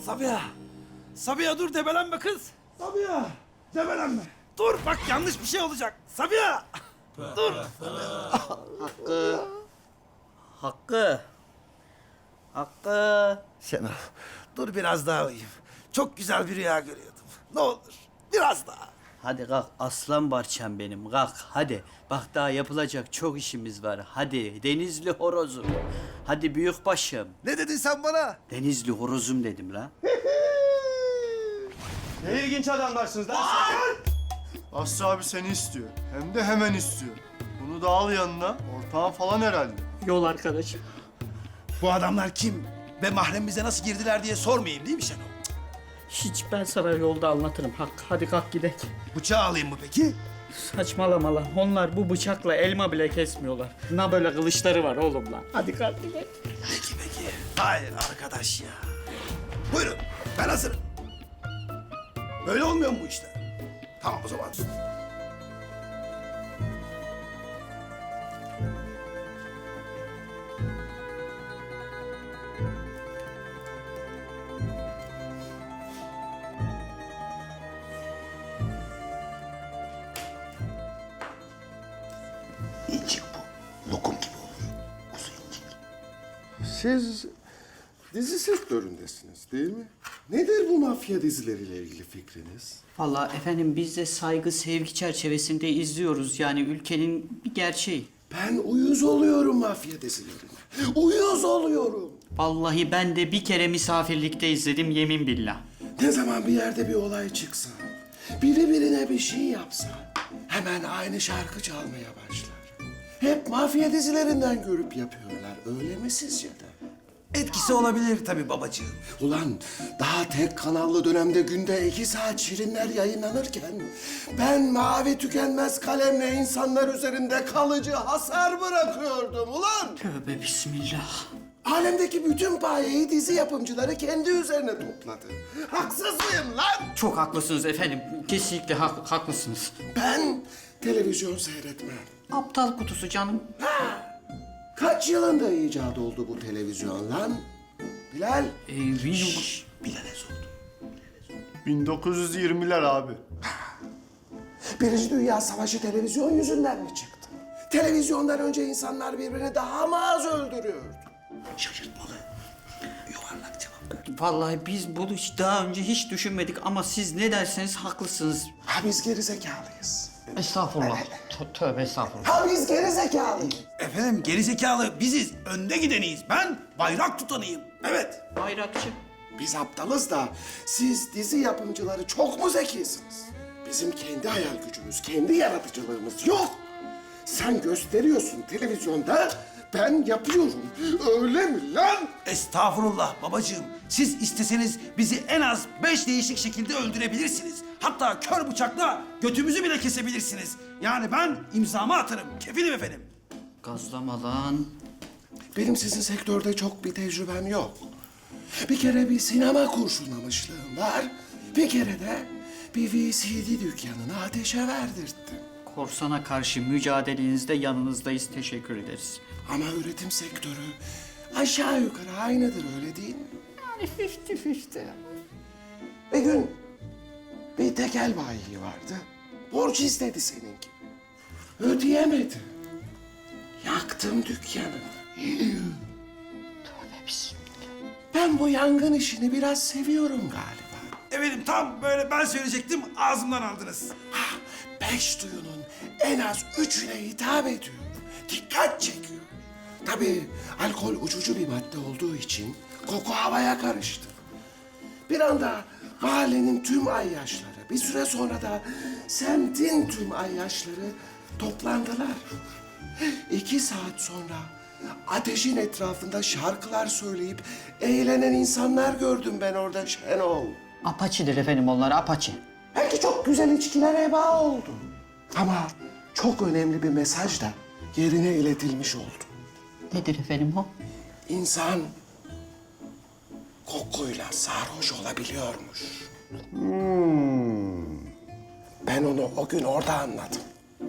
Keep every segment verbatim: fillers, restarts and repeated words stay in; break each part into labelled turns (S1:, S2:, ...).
S1: Sabiha. Sabiha dur debelenme kız. Sabiha. Debelenme. Dur bak yanlış bir şey olacak. Sabiha. Dur.
S2: Hakkı. Hakkı. Hakkı.
S1: Şenol dur biraz daha uyuyayım. Çok güzel bir rüya görüyordum. Ne olur biraz daha.
S2: Hadi kalk aslan parçam benim kalk hadi. Bak daha yapılacak çok işimiz var. Hadi Denizli horozum. Hadi büyük başım.
S1: Ne dedin sen bana?
S2: Denizli horozum dedim la.
S3: Ne ilginç adamlarsınız lan siz. Aslı abi seni istiyor. Hem de hemen istiyor. Bunu da al yanına. Ortağın falan herhalde.
S2: Yol arkadaşım.
S1: Bu adamlar kim? Ve mahremimize nasıl girdiler diye sormayayım değil mi Şenol?
S2: Hiç ben sana yolda anlatırım Hakkı. Hadi kalk gidelim.
S1: Bıçağı alayım mı peki?
S2: Saçmalama lan. Onlar bu bıçakla elma bile kesmiyorlar. Ne böyle kılıçları var oğlum lan. Hadi kalk gidelim.
S1: Peki peki. Hayır arkadaş ya. Buyurun ben hazırım. Böyle olmuyor mu bu işler? Tamam o zaman.
S4: İncik bu. Lokum gibi olur. Kuzu incik.
S5: Siz dizi sektöründesiniz değil mi? Nedir bu mafya dizileriyle ilgili fikriniz?
S2: Vallahi efendim biz de saygı sevgi çerçevesinde izliyoruz. Yani ülkenin bir gerçeği.
S5: Ben uyuz oluyorum mafya dizilerine. Uyuz oluyorum.
S2: Vallahi ben de bir kere misafirlikte izledim yemin billah.
S5: Ne zaman bir yerde bir olay çıksa, biri birine bir şey yapsa hemen aynı şarkı çalmaya başlar. Hep mafya dizilerinden görüp yapıyorlar. Öyle mi sizce de?
S1: Etkisi olabilir tabii babacığım.
S5: Ulan daha tek kanallı dönemde günde iki saat şirinler yayınlanırken ben mavi tükenmez kalemle insanlar üzerinde kalıcı hasar bırakıyordum ulan.
S2: Tövbe bismillah.
S5: Alemdeki bütün payeyi dizi yapımcıları kendi üzerine topladı. Haksız mıyım lan?
S2: Çok haklısınız efendim. Kesinlikle hak- haklısınız.
S5: Ben televizyon seyretmem.
S2: Aptal kutusu canım.
S5: Kaç yılında icat oldu bu televizyon lan? Bilal.
S2: Ee, benim...
S1: Bilal'e sordum.
S3: bin dokuz yüz yirmiler abi.
S5: Birinci Dünya Savaşı televizyon yüzünden mi çıktı? Televizyondan önce insanlar birbirini daha mı az öldürüyordu?
S1: Şaşırtmalı. Yuvarlak cevap.
S2: Vallahi biz bunu hiç daha önce hiç düşünmedik ama siz ne derseniz haklısınız.
S5: Ha biz gerizekalıyız.
S2: Estağfurullah. Tö- Tövbe estağfurullah.
S5: Ha biz gerizekalıyız.
S1: Efendim gerizekalı biziz. Önde gideniyiz. Ben bayrak tutanıyım. Evet.
S2: Bayrakçı.
S5: Biz aptalız da siz dizi yapımcıları çok mu zekisiniz? Bizim kendi hayal gücümüz, kendi yaratıcılığımız yok. Sen gösteriyorsun televizyonda, ben yapıyorum. Öyle mi lan?
S1: Estağfurullah babacığım. Siz isteseniz bizi en az beş değişik şekilde öldürebilirsiniz. Hatta kör bıçakla götümüzü bile kesebilirsiniz. Yani ben imzamı atarım. Kefilim efendim.
S2: Gazlama lan.
S5: Benim sizin sektörde çok bir tecrübem yok. Bir kere bir sinema kurşunlamışlığım var. Bir kere de bir V C D dükkanını ateşe verdirttim.
S2: Korsana karşı mücadelenizde yanınızdayız. Teşekkür ederiz.
S5: Ama üretim sektörü aşağı yukarı aynıdır öyle değil mi?
S2: Yani fifty fifty.
S5: Bir gün bir tekel bayi vardı. Borç istedi senin gibi. Ödeyemedi. Yaktım dükkanı.
S2: Tövbe bismillah.
S5: Ben bu yangın işini biraz seviyorum galiba.
S1: Efendim tam böyle ben söyleyecektim ağzımdan aldınız.
S5: Ha, beş duyunun en az üçüne hitap ediyor. Dikkat çekiyor. Tabii alkol uçucu bir madde olduğu için koku havaya karıştı. Bir anda mahallenin tüm ayyaşları, bir süre sonra da semtin tüm ayyaşları toplandılar. İki saat sonra ateşin etrafında şarkılar söyleyip eğlenen insanlar gördüm ben orada Şenol.
S2: Apaçidir efendim onlar apaçi.
S5: Belki çok güzel içkiler heba oldu. Ama çok önemli bir mesaj da yerine iletilmiş oldu.
S2: Nedir efendim o?
S5: İnsan kokuyla sarhoş olabiliyormuş. Hmm. Ben onu o gün orada anladım.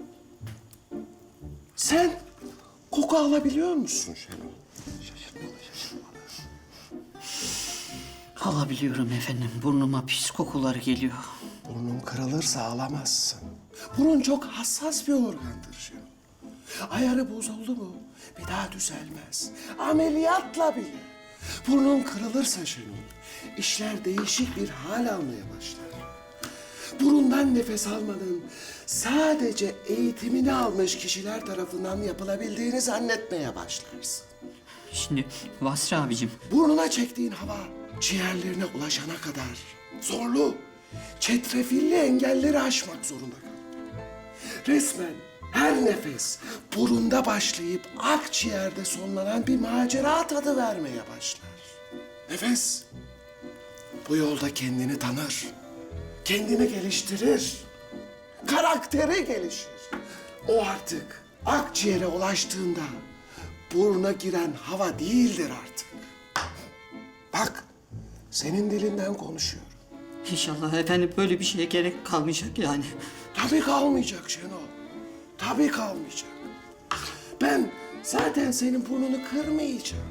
S5: Sen koku alabiliyor musun Şenol? Şaşırtmalı, şaşırtmalı.
S2: Alabiliyorum efendim. Burnuma pis kokular geliyor.
S5: Burnun kırılırsa ağlamazsın. Burun çok hassas bir organdır Şenol. Ayarı bozuldu mu bir daha düzelmez. Ameliyatla bile. Burnun kırılırsa Şenol, işler değişik bir hal almaya başlar. Burundan nefes almanın sadece eğitimini almış kişiler tarafından yapılabildiğini zannetmeye başlarsın.
S2: Şimdi Vasri abicim,
S5: Burnuna çektiğin hava ciğerlerine ulaşana kadar zorlu, çetrefilli engelleri aşmak zorunda kal. Resmen her nefes burunda başlayıp akciğerde sonlanan bir macera tadı vermeye başlar. Nefes bu yolda kendini tanır, kendini geliştirir, karakteri gelişir. O artık akciğere ulaştığında buruna giren hava değildir artık. Bak, senin dilinden konuşuyorum.
S2: inşallah efendim böyle bir şeye gerek kalmayacak yani.
S5: Tabii kalmayacak Şenol. Tabii kalmayacak. Ben zaten senin burnunu kırmayacağım.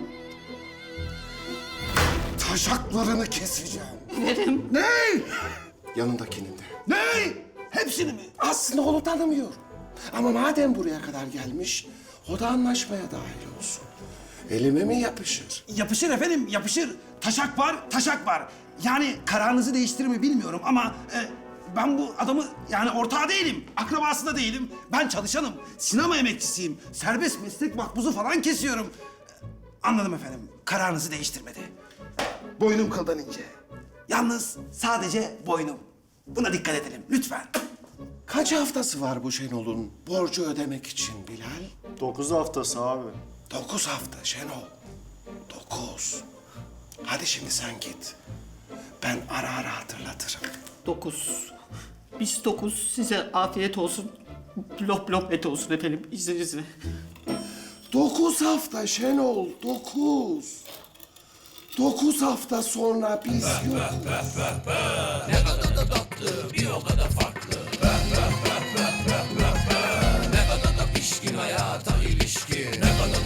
S5: Taşaklarını keseceğim.
S2: Verim.
S5: Ne? Yanındakinin de.
S1: Ne? Hepsini mi?
S5: Aslında onu tanımıyorum. Ama madem buraya kadar gelmiş, o da anlaşmaya dahil olsun. Elime mi yapışır?
S1: Yapışır efendim, yapışır. Taşak var, taşak var. Yani kararınızı değiştirir mi bilmiyorum ama e, ben bu adamı yani ortağı değilim, akrabası da değilim. Ben çalışanım, sinema emekçisiyim. Serbest meslek makbuzu falan kesiyorum. Anladım efendim, kararınızı değiştirmedi. Boynum kıldan ince. Yalnız sadece boynum. Buna dikkat edelim lütfen.
S5: Kaç haftası var bu Şenol'un borcu ödemek için Bilal?
S3: Dokuz haftası abi.
S5: Dokuz hafta Şenol. Dokuz. Hadi şimdi sen git. Ben ara ara hatırlatırım.
S2: Dokuz. Biz dokuz. Size afiyet olsun. Lop lop et olsun efendim izninizle.
S5: Dokuz hafta Şenol, dokuz. Dokuz hafta sonra biz yokuz.
S6: Ne kadar da tatlı, bir o kadar